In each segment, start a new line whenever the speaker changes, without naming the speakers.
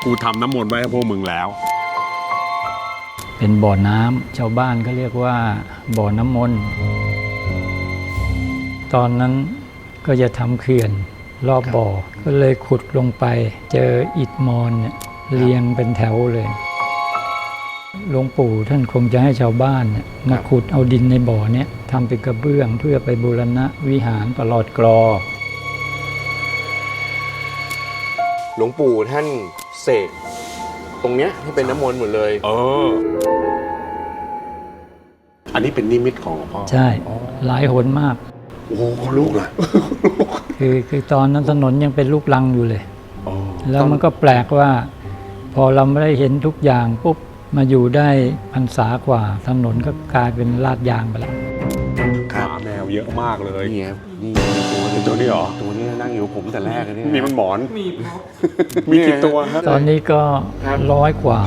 กูทำน้ำมนต์ไว้ให้พวกมึงแล้ว
เป็นบ่อน้ำชาวบ้านก็เรียกว่าบ่อน้ำมนต์ตอนนั้นก็จะทำเขื่อนรอบบ่อก็เลยขุดลงไปเจออิฐมอนเนี่ยเรียงเป็นแถวเลยหลวงปู่ท่านคงจะให้ชาวบ้านเนี่ยมาขุดเอาดินในบ่อเนี่ยทำเป็นกระเบื้องเพื่อไปบูรณะวิหารประหลอดกรอ
หลวงปู่ท่านเสกตรงเนี้ยให้เป็นน้ำมนต์หมดเลย
อันนี้เป็นนิมิตของหลวงพ่อ
ใช่หลายหนมาก
โอ้โหลูกล่ะ
คือตอนนั้นถนนยังเป็นลูกรังอยู่เลยแล้วมันก็แปลกว่าพอเราไม่ได้เห็นทุกอย่างปุ๊บมาอยู่ได้พรรษากว่าถนนก็กลายเป็นลาดยางไปแล้ว
หมาแมวเยอะมากเลย
นี่ครับนี่
ตัวนี้เหรอ
ตัวนี้นั่งอยู่ผมแต่แรกเลย
มีมันหมอนมีกี่ตัวครับ
ตอนนี้ก็100 กว่า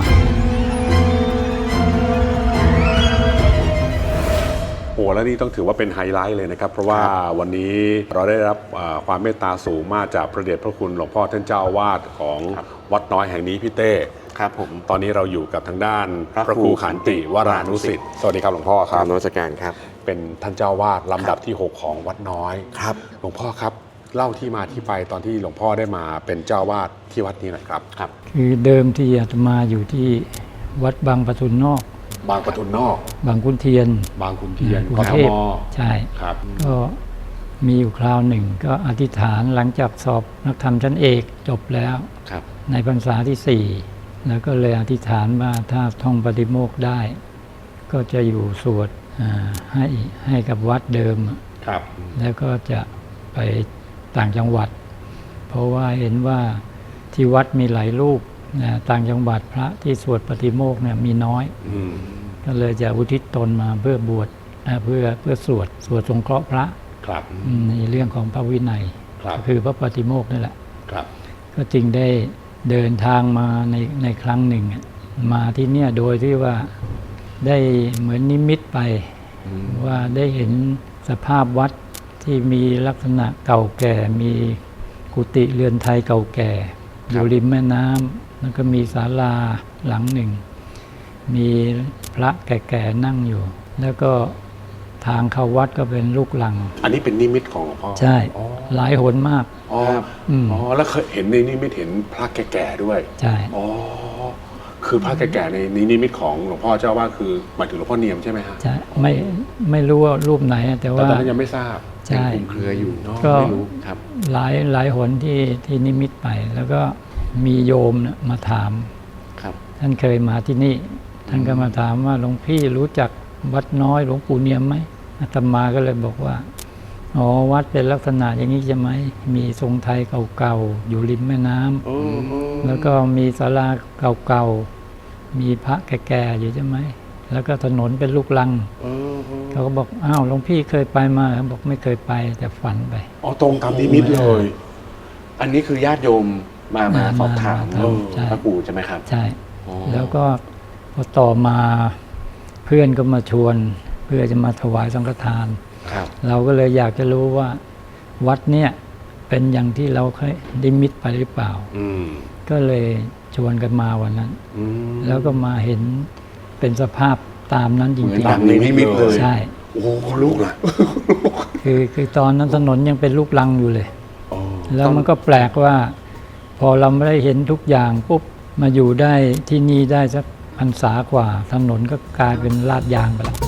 โอ้แล้วนี่ต้องถือว่าเป็นไฮไลท์เลยนะครับเพราะว่าวันนี้เราได้รับความเมตตาสูงมากจากพระเดชพระคุณหลวงพ่อท่านเจ้าอาวาสของวัดน้อยแห่งนี้พี่เต้
ครับผม
ตอนนี้เราอยู่กับทางด้านพระครูขันติวรานุสิทธิ์สวัสดีครับหลวงพ่อครับ
นมัสการครับ
เป็นท่านเจ้าอาวาสลำดับที่6ของวัดน้อย
ครับ
หลวงพ่อครับเล่าที่มาที่ไปตอนที่หลวงพ่อได้มาเป็นเจ้าอาวาสที่วัดนี้หน่อยครับ
ครับ
คือเดิมที่อาตมาอยู่ที่วัดบางปทุนนอก
บางปทุนนอก
บางขุนเทียน
บางขุนเทียน
กรุงเทพใช่
ครับ
ก็มีอยู่คราวหนึ่งก็อธิษฐานหลังจากสอบนักธรรมชั้นเอกจบแล้วในพรรษาที่4แล้วก็เลยอธิษฐานว่าถ้าท่องปฏิโมกข์ได้ก็จะอยู่สวดให้กับวัดเดิมแล้วก็จะไปต่างจังหวัดเพราะว่าเห็นว่าที่วัดมีหลายรูปต่างจังหวัดพระที่สวดปฏิโมกข์เนี่ยมีน้อยก็เลยจะอุทิศตนมาเพื่อบวชเพื่อสวดสงเคราะห์พระในเรื่องของพระวินัยคือพระปฏิโมกข์นั่นแหละก็จึงได้เดินทางมาในครั้งหนึ่งมาที่เนี่ยโดยที่ว่าได้เหมือนนิมิตไปว่าได้เห็นสภาพวัดที่มีลักษณะเก่าแก่มีกุฏิเรือนไทยเก่าแก่อยู่ริมแม่น้ำแล้วก็มีศาลาหลังหนึ่งมีพระแก่ๆนั่งอยู่แล้วก็ทางเข้าวัดก็เป็นลูกลัง
อันนี้เป็นนิมิตของหลวงพ่อ
ใช่หลายหนมาก
แล้วเคยเห็นในนิมิตเห็นพระแก่ๆด้วย
ใช่
คือพระแก่ๆในนิมิตของหลวงพ่อเจ้าว่าคือหมายถึงหลวงพ่อเนียมใช่ไหมฮะ
ใช่ไม่รู้ว่ารูปไหนแต่ว่า
ตอนนั้นยังไม่ทราบ
ใช่
เครืออยู่เนาะ
ไม่รู้ครับหลายหนที่นิมิตไปแล้วก็มีโยมมาถามท่านเคยมาที่นี่ท่านก็มาถามว่าหลวงพี่รู้จักวัดน้อยหลวงปู่เนียมไหมอาตมาก็เลยบอกว่าวัดเป็นลักษณะอย่างนี้ใช่ไหมมีทรงไทยเก่าๆอยู่ริมแม่น้ำแล้วก็มีศาลาเก่าๆมีพระแก่ๆอยู่ใช่ไหมแล้วก็ถนนเป็นลูกรังเขาก็บอกอ้าวหลวงพี่เคยไปมาบอกไม่เคยไปแต่ฝันไป
ตรงตามนิมิตเลย
อันนี้คือญาติโยมมาสอบถามพระปู่ใช่ไหมครับ
ใช่แล้วก็พอต่อมาเพื่อนก็มาชวนเพื่อจะมาถวายสังฆทานเราก็เลยอยากจะรู้ว่าวัดเนี่ยเป็นอย่างที่เราเคยนิมิตไปหรือเปล่าก็เลยชวนกันมาวันนั้นแล้วก็มาเห็นเป็นสภาพตามนั้นจริงๆ
ตามในนิมิตเลย
ใช่
โอ้โหลูกล่ะ
คือตอนนั้นถนนยังเป็นลูกรังอยู่เลยแล้วมันก็แปลกว่าพอเราไม่ได้เห็นทุกอย่างปุ๊บมาอยู่ได้ที่นี่ได้สักพรรษากว่าถนนก็กลายเป็นลาดยางไปแล้ว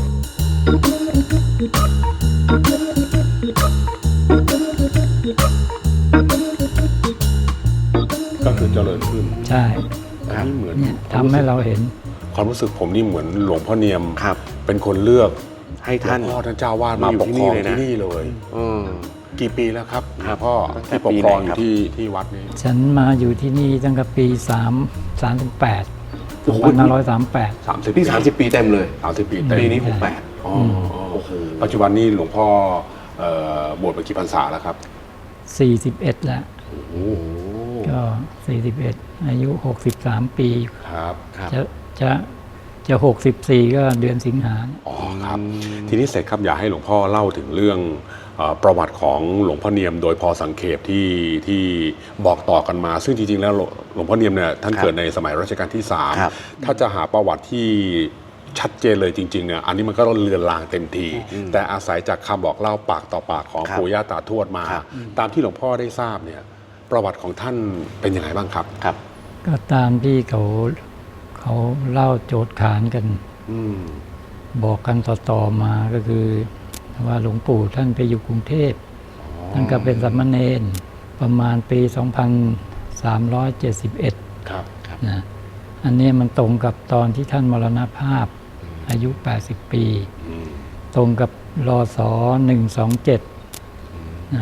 ก็คือเจริญขึ้น
ใช่
นี่เหมือน
ทำให้เราเห็น
ความรู้สึกผมนี่เหมือนหลวงพ่อเนียมเป็นคนเลือก
ให้ท่าน
เจ้าวาดมาปกครองที่นี่เลยกี่ปีแล้วครับพ่อที่ปกครองอยู่ที่วัดนี้
ฉันมาอยู่ที่นี่ตั้งแต่ปี38 2538
นี่30 ปีเต็มเลย
30 ปีเต็ม
ปีนี้68
ปัจจุบันนี้หลวงพ่อบวชไปกี่พรรษาแล้วครับ
41แล้วก็41อายุ63 ปี
ครับ
จะจะ64ก็เดือนสิงหา
อ๋อครับทีนี้เสร็จครับอยากให้หลวงพ่อเล่าถึงเรื่องประวัติของหลวงพ่อเนียมโดยพอสังเขปที่บอกต่อกันมา ซึ่งจริงๆแล้วหลวงพ่อเนียมเนี่ยท่านเกิดในสมัยรัชกาลที่
ครับ
3ถ้าจะหาประวัติที่ชัดเจนเลยจริงๆเนี่ยอันนี้มันก็เลือนลางเต็มที แต่อาศัยจากคำบอกเล่าปากต่อปากของ
ครับ
ปู่ย่าตาทวดมา
ครับ
ตามที่หลวงพ่อได้ทราบเนี่ยประวัติของท่านเป็นยังไงบ้างครับ
ครับ
ก็ตามที่เขาเล่าโจทย์ขานกัน
อืม
บอกกันต่อๆมาก็คือว่าหลวงปู่ท่านไปอยู่กรุงเทพท่านก็เป็นสามเณรประมาณปี 2371
ครับ
นะอันนี้มันตรงกับตอนที่ท่านมรณภาพอายุ 80 ปี
อืม
ตรงกับรศ127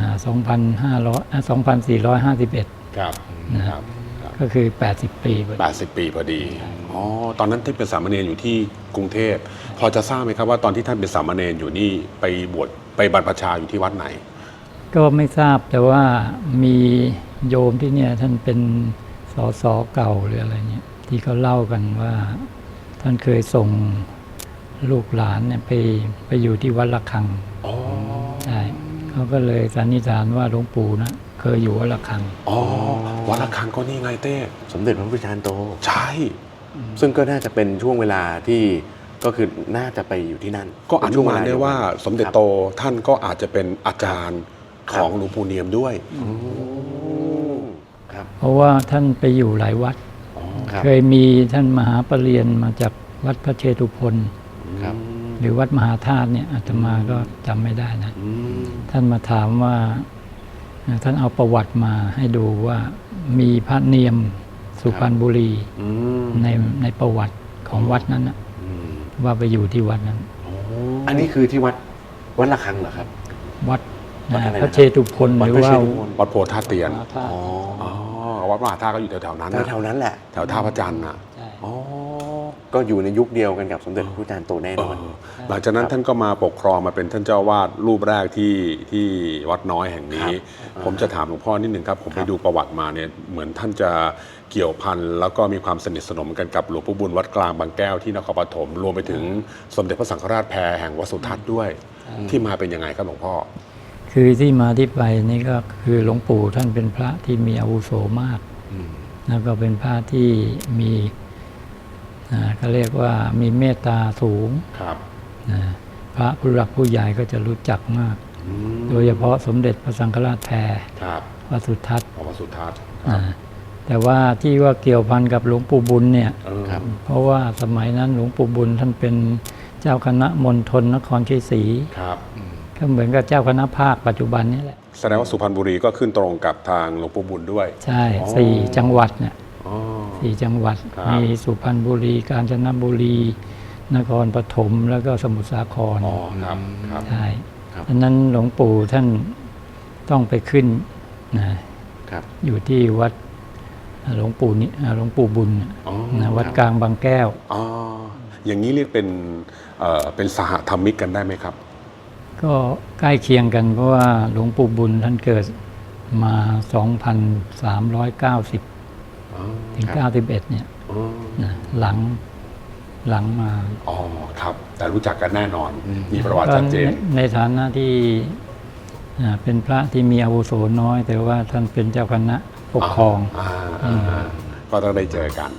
2451
ครับ
นะครับ ก็คือ 80 ปีพอดี
80 ปีพอดี อ๋อ ตอนนั้นที่เป็นสามเณรอยู่ที่กรุงเทพ พอจะทราบไหมครับว่าตอนที่ท่านเป็นสามเณรอยู่นี่ไปบวชไปบรรพชาอยู่ที่วัดไหน
ก็ไม่ทราบแต่ว่ามีโยมที่เนี่ยท่านเป็นสสเก่าหรืออะไรเนี่ยที่เขาเล่ากันว่าท่านเคยส่งลูกหลานเนี่ยไปอยู่ที่วัดระฆัง
อ๋อ
ใช่เขาก็เลยสันนิษฐานว่าหลวงปู่นะเคยอยู่วัดระฆัง
อ๋อ วัดระฆังก็นี่ไงเต้
สมเด็จพระพุทธจารย์โต
ใช่
ซึ่งก็น่าจะเป็นช่วงเวลาที่ก็คือน่าจะไปอยู่ที่นั่น
ก็อนุมานได้ว่าสมเด็จโต
ครับ
ท่านก็อาจจะเป็นอาจารย์ของหลวงปู่เนียมด้วย
ครับ
เพราะว่าท่านไปอยู่หลายวัด
ครับ
เคยมีท่านมหาปรริญญามาจากวัดพระเชตุพน
ครับ
หรือวัดมหาธาตุเนี่ยอาตมาก็จำไม่ได้นะ
อืม
ท่านมาถามว่าท่านเอาประวัติมาให้ดูว่ามีพระเนียมสุพรรณบุรี
อืม
ในประวัติของวัดนั้นนะ
อืม
ว่าไปอยู่ที่วัดนั้น
อันนี้คือที่วัดระฆังเหรอครับ
วัด
วัดอะไรนะ
พระเชตุพน
วัด
หรือ
พระ
ว่า
เชตุพน
วัดโพธาเตียน
มหาธาตุ
อ๋อ
อ๋อ วัดมหาธาตุก็อยู่แถวๆนั้นนะ
แถวๆนั้นแหละ
แถวท่าพระจันทร์นะ
ใช่
อ๋อ ก็อยู่ในยุคเดียวกันกับสมเด็จพระพุทธจารย์โตแน่นอน
หลังจากนั้นท่านก็มาปกครองมาเป็นท่านเจ้าวาดรูปแรกที่วัดน้อยแห่งนี้ ผมจะถามหลวงพ่อนิดนึงครับ ผมไปดูประวัติมาเนี่ยเหมือนท่านจะเกี่ยวพันแล้วก็มีความสนิทสนมกันกับหลวงปู่บุญวัดกลางบางแก้วที่นครปฐมรวมไปถึงสมเด็จพระสังฆราชแพรแห่งวัดสุทัศน์ด้วยที่มาเป็นยังไงครับหลวงพ่อ
คือที่มาที่ไปนี่ก็คือหลวงปู่ท่านเป็นพระที่มีอาวุโสมาก แล้วก็เป็นพระที่มีเขาเรียกว่ามีเมตตาสูง
ครับ
นะพระผู้หลักผู้ใหญ่ก็จะรู้จักมาก โดยเฉพาะสมเด็จพระสังฆราชแพร
ครับ
วัดสุทัศน์
ของวัดสุทัศน์
แต่ว่าที่ว่าเกี่ยวพันกับหลวงปู่บุญเนี่ย
ครับ
เพราะว่าสมัยนั้นหลวงปู่บุญท่านเป็นเจ้าคณะมณฑลนครชัยศรี
ครับ
ก็เหมือนกับเจ้าคณะภาคปัจจุบันนี้แหละ
แสดงว่าสุพรรณบุรีก็ขึ้นตรงกับทางหลวงปู่บุญด้วย
ใช่
อ๋อ
สี่จังหวัดเนี่ย
อ๋อ
สี่จังหวัด
ครับ
มีสุพรรณบุรี กาญจนบุรี นครปฐมแล้วก็สมุทรสาคร
อ๋อครับครับ
ใช่
ครับ
ดังนั้นหลวงปู่ท่านต้องไปขึ้นนะครับ อยู่ที่วัดหลวงปู่นี่หลวงปู่บุญ
อ๋อ
นะวัดกลางบางแก้ว
อ๋ออย่างนี้เรียกเป็นสหธรรมิกกันได้ไหมครับ
ก็ใกล้เคียงกันเพราะว่าหลวงปู่บุญท่านเกิดมา 2,390
อ๋อ
ถึง 91 เนี่ย
อ๋อ
นะหลังมา
อ๋อครับ แต่รู้จักกันแน่นอน มีประวัติชัดเจน
ก็ในฐานะที่เป็นพระที่มีอาวุโสน้อย แต่ว่าท่านเป็นเจ้าคณะปกครอง
ก็ต้องได้เจอกัน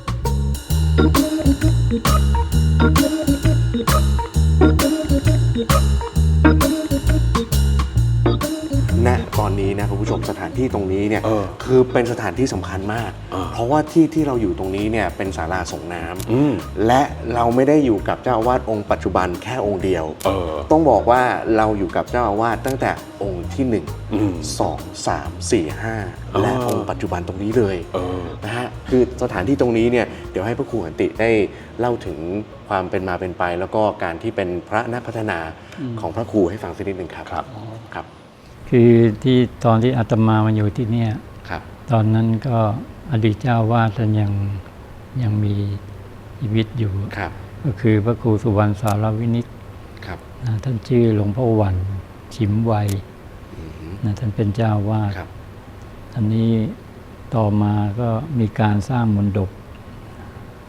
ณตอนนี้นะคุณผู้ชมสถานที่ตรงนี้เนี่ย
เออ
คือเป็นสถานที่สำคัญมาก เพราะว่าที่เราอยู่ตรงนี้เนี่ยเป็นศาลาส่งน้ำ
อืม
และเราไม่ได้อยู่กับเจ้าอาวาสองค์ปัจจุบันแค่องค์เดียว
เออ
ต้องบอกว่าเราอยู่กับเจ้าอาวาสตั้งแต่องค์ที่
อืม
1 2 3 4 5 และองค์ปัจจุบันตรงนี้เลย
เออ
นะฮะคือสถานที่ตรงนี้เนี่ยเดี๋ยวให้พระครูขันติได้เล่าถึงความเป็นมาเป็นไป แล้วก็การที่เป็นพระนักพัฒนาของพระครูให้ฟังสักนิดหนึ่งครับ
ครับ
ครับ
คือที่ตอนที่อาตมามาอยู่ที่เนี่ย
ครับ
ตอนนั้นก็อดีตเจ้าวาดท่านยังมีชีวิตอยู่
ครับ
ก็คือพระครูสุวรรณสารวินิจ
ครับ
ท่านชื่อหลวงพ่อวันชิมไวยท่านเป็นเจ้าวาด
ครับ
อันนี้ต่อมาก็มีการสร้างมณฑป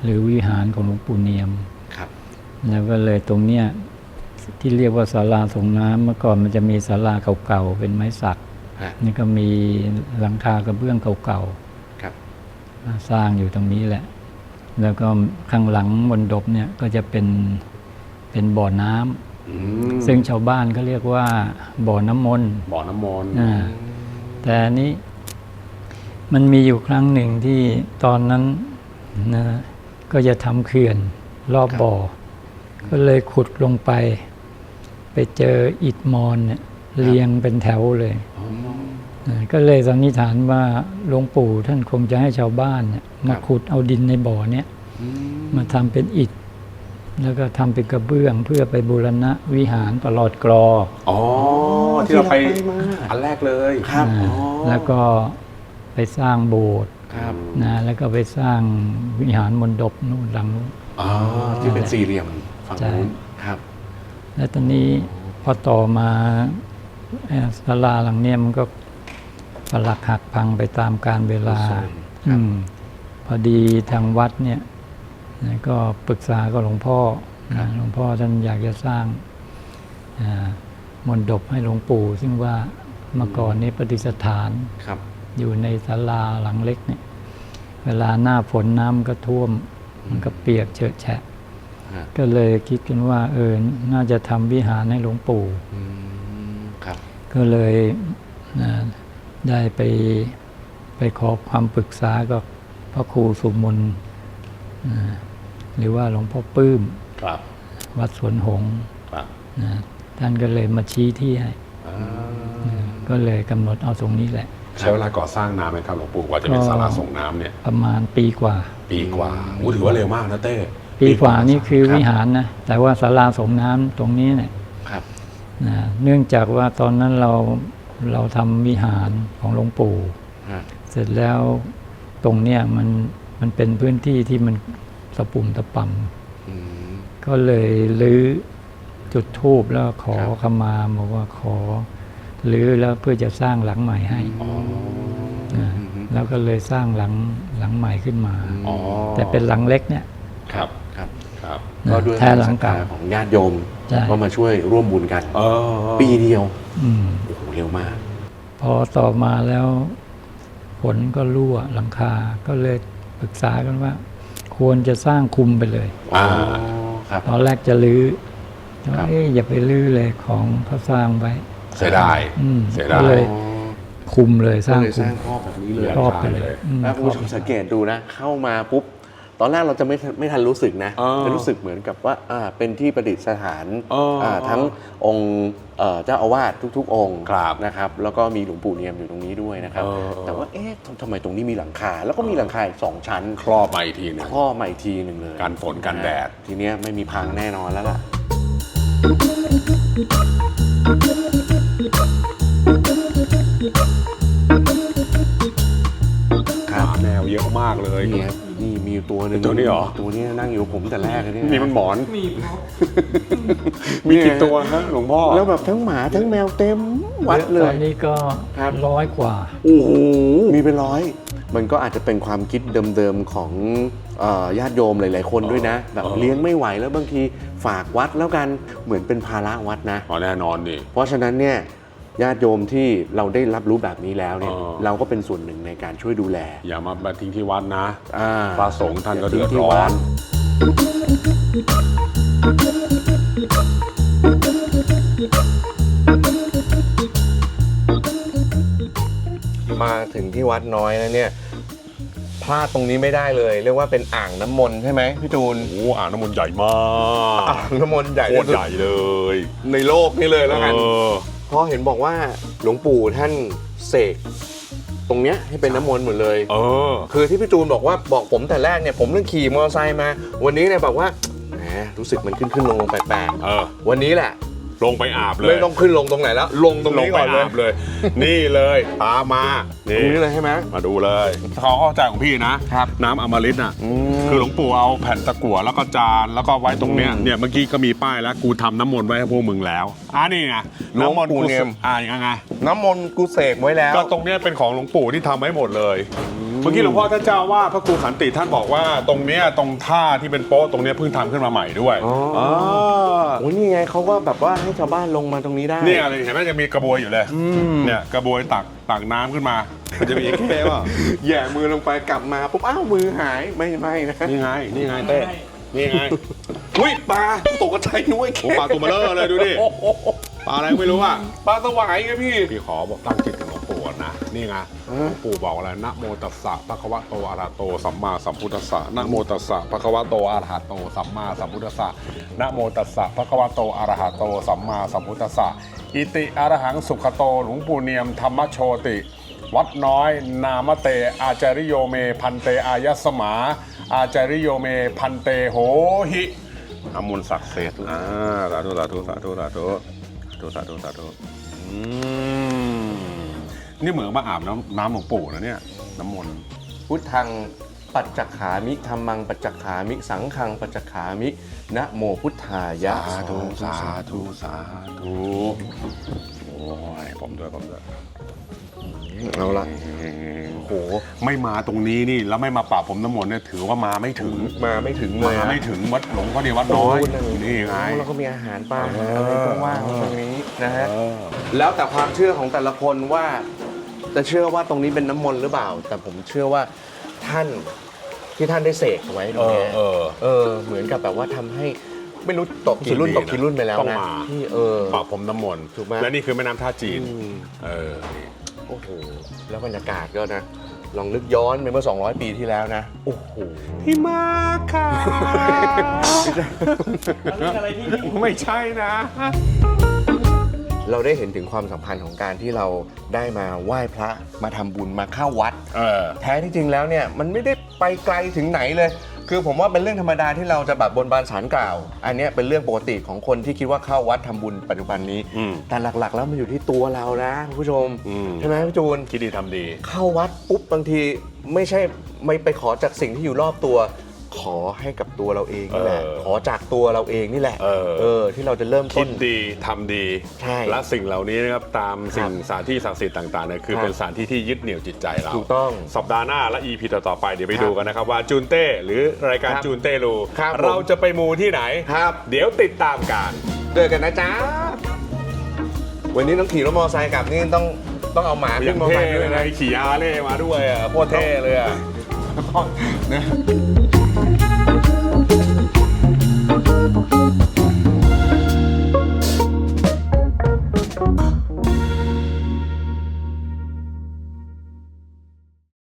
หรือวิหารของหลวงปู่เนียม
ครับ
แล้วก็เลยตรงเนี้ยที่เรียกว่าศาลาส่งน้ำเมื่อก่อนมันจะมีศาลาเก่าๆเป็นไม้สัก
ฮะ
นี่ก็มีหลังคากระเบื้องเก่า
ครับ
ๆมาสร้างอยู่ตรงนี้แหละ แล้วก็ข้างหลังมณฑปเนี่ยก็จะเป็นบ่อน้ำซึ่งชาวบ้านก็เรียกว่าบ่อน้ำมนต์
บ่อน้ำมนต์
แต่อันนี้มันมีอยู่ครั้งหนึ่งที่ตอนนั้นนะก็จะทำเขื่อนรอบบ่อ ก็เลยขุดลงไปเจออิฐมอนเนี่ยเรียงเป็นแถวเลยก็เลยสันนิษฐานว่าหลวงปู่ท่านคงจะให้ชาวบ้านเนี่ยมาขุดเอาดินในบ่อเนี่ยมาทำเป็นอิฐ แล้วก็ทำเป็นกระเบื้องเพื่อไปบูรณะวิหารปลอดกรอ
อ๋อที่เราไป
ที่เราไปมา
อันแรกเลย
ครับ
แล้วก็ไปสร้างโบสถ์
ครับ
นะแล้วก็ไปสร้างวิหารมณฑปนู่นหลังนู้น
อ๋อที่เป็นสี่เหลี่ยมฝั่ง
ใช่
นู้นครับ
แล้วตอนนี้พอต่อมาศาลาหลังเนี้ยมันก็ปรักหักพังไปตามกาลเวลา
ครับ
พอดีทางวัดเนี่ยก็ปรึกษากับหลวงพ่อนะหลวงพ่อท่านอยากจะสร้างมณฑปให้หลวงปู่ ซึ่งว่าเมื่อก่อนนี้ประดิษฐาน
ครับ
อยู่ในศาลาหลังเล็กเนี่ยเวลาหน้าฝนน้ำก็ท่วม มันก็เปียกเฉอะแฉะ
ฮะ
ก็เลยคิดกันว่าน่าจะทำวิหารให้หลวงปู่
ครับ
ก็เลยได้ไปขอความปรึกษากับพระครูสุมนหรือว่าหลวงพ่อปื้ม
ครับ
วัดสวนหงส์
ครับ
ท่านก็เลยมาชี้ที่ให้ก็เลยกำหนดเอาตรงนี้แหละ
ใช้เวลาก่อสร้างนานไหมครับหลวงปู่กว่าจะมีศาลาส่งน้ำเนี่ย
ประมาณปีกว่า
ปีกว่าอู้ถือว่าเร็วมากนะเต้
ปีกว่านี่คือ
รับ
วิหารนะแต่ว่าศาลาส่งน้ำตรงนี้เนี่ย
ครับ
เนื่องจากว่าตอนนั้นเราทำวิหารของหลวงปู่
ฮะ
เสร็จแล้วตรงเนี้ยมันเป็นพื้นที่ที่มันตะปุ่มตะป่ำก็เลยรื้อจุดธูปแล้วขอขมาบอกว่าขอรื้อแล้วเพื่อจะสร้างหลังใหม่ให้แล้วก็เลยสร้างหลังใหม่ขึ้นมา
อ๋อ
แต่เป็นหลังเล็กเนี่ย
ครับ
ครับ
ครับ
ก็ด้วย
แท้หลังเก่า
ศรัทธของญาติโยม
ใช่
ก็มาช่วยร่วมบุญกัน ปีเดียว
อืม
โอ้โหเร็วมาก
พอต่อมาแล้วฝนก็รั่วหลังคา ก็เลยปรึกษากันว่า ควรจะสร้างคุมไปเลย
ครับ
ตอนแรกจะรื้อแต่
ครั
ว่า
บ
อย่าไปรื้อเลยของเขาสร้างไว้
เสียดาย เสียดาย
ก็เลยคุมเลยส
ก็
ร้าง
เลย
คุ
ส
ม
ร้างครอบแบบนี้เลย
ครอบไปเลยอืม
แล้วคุณผู้ชมสังเกตดูนะ เข้ามาปุ๊บ ตอนแรกเราจะไม่ทันรู้สึกนะ จะรู้สึกเหมือนกับว่าเป็นที่ประดิษฐานทั้งองค์เจ้าอาวาสทุกๆ องค์
ครับ
นะครับ แล้วก็มีหลวงปู่เนียมอยู่ตรงนี้ด้วยนะครับ แต่ว่าทำไมตรงนี้มีหลังคา แล้วก็มีหลังคาอีก2 ชั้น
ครอบมาอีกทีหนึง
ข้อมาอีกทีหนึ่งเลย
กันฝนกันแดด
ทีเนี้ยไม่มีพังแน่นอนแล้วล่ะ ครับ
แนวเยอะมากเลย
นี่ครับนี่มีอยู่ตัวหนึ่ง
ตัวนี้เหรอ
ตัวนี้นั่งอยู่กับผมแต่แรกเลยเนี่ย
นี่มันหมอน มีกี่ตัวฮะหลวงพ่อ
แล้วแบบทั้งหมาทั้งแมวเต็มวัดเล
ตอย นนี้ก็
ครับ
100 กว่า
โอ้โหมีเป็นร้อย มันก็อาจจะเป็นความคิดเดิมๆของญาติโยมหลายๆคนด้วยนะ แบบเลี้ยงไม่ไหวแล้วบางทีฝากวัดแล้วกันเหมือนเป็นภาระวัดนะ
อ๋อแน่นอนนี่
เพราะฉะนั้นเนี่ยญาติโยมที่เราได้รับรู้แบบนี้แล้วเนี่ย
อ๋อ
เราก็เป็นส่วนหนึ่งในการช่วยดูแล
อย่ามาทิ้งที่วัดนะ
อ่า
พระสงฆ์ท่านก็เดือด
ที่
ร้อ
วัด
น
มาถึงที่วัดน้อยแล้วเนี่ยพลาดตรงนี้ไม่ได้เลย เรียกว่าเป็นอ่างน้ำมนต์ใช่ไหมพี่จูน
โอ้อ่างน้ำมนต์ใหญ่มาก
อ่างน้ำมนต์ใหญ่
โคตรใหญ่เลย
ในโลกนี่เลยแล้วกัน
เออ
เพราะเห็นบอกว่าหลวงปู่ท่านเสกตรงเนี้ยให้เป็นน้ำมนต์หมดเลย
เออ
คือที่พี่จูนบอกผมแต่แรกเนี่ยผมเรื่องขี่มอเตอร์ไซค์มา วันนี้เนี่ยบอกว่าแหมรู้สึกมันขึ้นลงแปลก
เออ
ๆวันนี้แหละ
ลงไปอาบเลย
ไม่ต้องขึ้นลงตรงไหนแล้ว ลงตรงนี้ก่อนเลย
ลงไปอาบเลย นี่เลยตามมา
ตรงนี้เลยใช่ไหม
มาดูเลยเขาเข้าใจของพี่นะ
ครับ
น้ำอมฤตน่ะ
ม
คือหลวงปู่เอาแผ่นตะกั่วแล้วก็จานแล้วก็ไว้ตรงเนี้ย
อืม
เนี่ยเมื่อกี้ก็มีป้ายแล้วกูทำน้ำมนต์ไว้ให้พวกมึงแล้วนี่ไง
หลวงปู่เนียม
ยังไง
น้ำมนต์กูเสกไว้แล้ว
ก็ตรงเนี้ยเป็นของหลวงปู่ที่ทำไว้หมดเลย เมื่อกี้หลวงพ่อท่านเจ้าว่าพระครูขันติท่านบอกว่าตรงเนี้ยตรงท่าที่เป็นโป๊ะตรงเนี้ยเพิ่งทำขึ้นมาใหม่ด้วย
อ๋อ โอ้ยนี่ไงเขาก็แบบว่าให้ชาวบ้านลงมาตรงนี้ได้
เนี่ยอะไรเห็นไหมยังมีกระบวยอยู่เลยเนี่ยกระบวยตักน้ำขึ้นมามันจะมีแค่ว่า
แย่มือลงไปกลับมาปุ๊บอ้าวมือหายไม่นะ
นี่ไงเต้นี่ไง
อุ้ยปลาตกใจนุ้ย
โอ้ปลาตัวเบลอเลยดูดิปลาอะไรไม่รู้อ่ะ
ปลาสวายไงพี่
พี่ขอบอกตั้งจิตถึงหลวงปู่ก่อนนะนี่ไงหลวงปู่บอกอะไรนะโมตัสสะภะคะวะโตอะระหะโตสัมมาสัมพุทธัสสะนะโมตัสสะภะคะวะโตอะระหะโตสัมมาสัมพุทธัสสะนะโมตัสสะภะคะวะโตอะระหะโตสัมมาสัมพุทธัสสะอิติอะระหังสุขโตหลวงปู่เนียมธรรมโชติวัดน้อยนามเตอาจาริโยเมพันเตอายสมา อาจาริโยเมพันเตโหหิน้ำมนต์ศักดิ์สิทธิ์สาธุนี่เหมือนมาอาบน้ำหลวงปู่นะเนี่ยน้ำมนต์
พุทธังปัจจคามิธัมมังปัจจคามิสังฆังปัจจคามินะโมพุทธายะ
สาธุโอ้ยผมด้วย
เอาละ
โหไม่มาตรงนี้นี่แล้วไม่มาปราบผมน้ำมนต์เนี่ยถือว่ามาไม่ถึง
มาไม่ถึงเลย
มาไม่ถึงวัดหลวงพ่อเดียววัดน้อยนี่ไง
แล้วก็มีอาหารปลาอะไรก็ว่างตรงนี้นะฮะแล้วแต่ความเชื่อของแต่ละคนว่าจะเชื่อว่าตรงนี้เป็นน้ำมนต์หรือเปล่า แต่ผมเชื่อว่าท่านที่ท่านได้เสกไว้ตรงนี้เหมือนกับแบบว่าทำให้ไม่รู้ตกกี่รุ่นไปแล้ว
ต้อง
นะ
มา
ที่
ปราบผมน้ำมนต์
ถูกไหม
และนี่คือแม่น้ำท่าจีนนี่
โอ้โหแล้วบรรยากาศก็นะลองนึกย้อนไปเมื่อ200 ปีที่แล้วนะโอ้โห
พี่มาค่ะ
อะไรที่นี่
ไม่ใช่นะ
เราได้เห็นถึงความสัมพันธ์ของการที่เราได้มาไหว้พระมาทำบุญมาเข้าวัด แท้ที่จริงแล้วเนี่ยมันไม่ได้ไปไกลถึงไหนเลย คือผมว่าเป็นเรื่องธรรมดาที่เราจะแบบบนบานศาลกล่าว อันเนี้ยเป็นเรื่องปกติของคนที่คิดว่าเข้าวัดทำบุญปัจจุบันนี้ แต่หลักๆแล้วมันอยู่ที่ตัวเรานะคุณผู้ชมใช่ไหมพี่จูน
คิดดีทำดี
เข้าวัดปุ๊บบางทีไม่ใช่ไม่ไปขอจากสิ่งที่อยู่รอบตัว ขอให้กับตัวเราเองนี่แหละขอจากตัวเราเองนี่แหละที่เราจะเริ่ม
คิ
ต้
ด
น
ดีทำดี
ใช่
และสิ่งเหล่านี้นะครับตามสิ่งสถานที่ศักดิ์สิทธิ์ต่างๆเนี่ยคือ
ครับ
เป็นสถานที่ที่ยึดเหนี่ยวจิตใจเรา
ถูกต้อง
สัปดาห์หน้าและ EP ต่อๆไปเดี๋ยวไป
ครับ
ดูกันนะครับว่าจูนเต้หรือรายการ
ครับ
จูนเต้รู
ครับผม
เราจะไปมูที่ไหน
ครับ
เดี๋ยวติดตามกัน
เจอกันนะจ๊ะวันนี้ต้องขี่รถมอเตอร์ไซค์กลับนี่ต้องเอาหมา
อ
ขึ้
ย่าน ง
มอเตอร์
เท่
ไซค์
เล
ด้วย ย
นะ
นะ
ขี่อาเล่มาด้วยอ่ะโคตรเท่เลยอ่ะ
นะ